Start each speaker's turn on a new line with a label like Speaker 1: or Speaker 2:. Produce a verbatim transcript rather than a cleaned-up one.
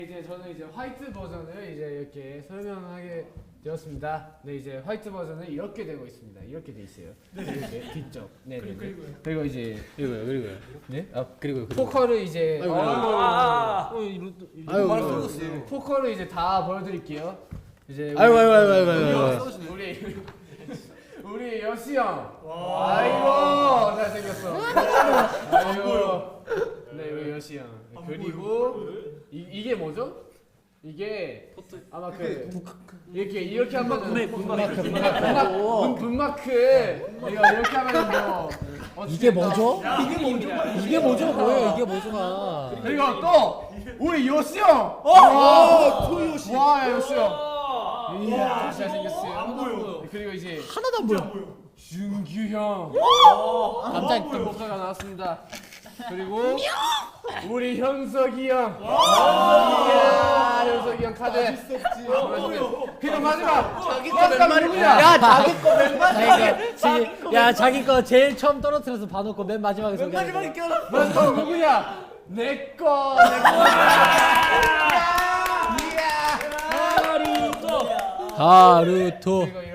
Speaker 1: 이제 저는 이제 화이트 버전을 이제 이렇게 설명하게 되었습니다. 네, 이제 화이트 버전은 이렇게 되고 있습니다. 이렇게 돼 있어요. 네, 이렇게 뒤쪽. 네, 네. 그리고 그리고 이제
Speaker 2: 그리고요, 그리고요.
Speaker 1: 네?
Speaker 2: 아, 그리고 그리고.
Speaker 1: 포커를 이제
Speaker 2: 아이고,
Speaker 1: 어,
Speaker 2: 아이고.
Speaker 1: 어, 이거
Speaker 2: 아이고,
Speaker 1: 아이고,
Speaker 2: 아이고.
Speaker 1: 포커를 이제 다 보여드릴게요. 이제
Speaker 2: 아이고,
Speaker 1: 우리-
Speaker 2: 아이고, 아이고, 아이고, 아이고.
Speaker 1: 우리 우리 여시 형. 아이고 잘생겼어. 아이고. 네, 우리 여시 형. 그리고 이 이게 뭐죠? 이게 아마 그 이렇게 이렇게 하면은 분마크 분마크 분마크 이거 이렇게 하면은 뭐 어떻게
Speaker 2: 이게 뭐죠?
Speaker 1: 이게 뭐죠?
Speaker 2: 이게 뭐죠? 뭐예요? 이게 뭐죠가?
Speaker 1: 그리고 또 우리 요시 형.
Speaker 2: 어, 토요시.
Speaker 1: 와, 요시 형. 이야, 잘생겼어요. 안 보여. 그리고 이제
Speaker 2: 하나도 안 보여.
Speaker 1: 준규 형.
Speaker 2: 깜짝
Speaker 1: 또 목소리가 나왔습니다. 그리고 우리 현석이 형. 이야, 현석이 형 카드. 그리고 마지막 마지막 누구냐?
Speaker 2: 야, 자기 거 맨 마지막에. 야, 자기 거 제일 처음 떨어뜨려서 봐놓고 맨 마지막에 소개. 맨 마지막에 껴.
Speaker 1: 마지막 누구냐? 내 거, 내 거. 이야, 하루토.
Speaker 2: 하루토.
Speaker 1: 그리고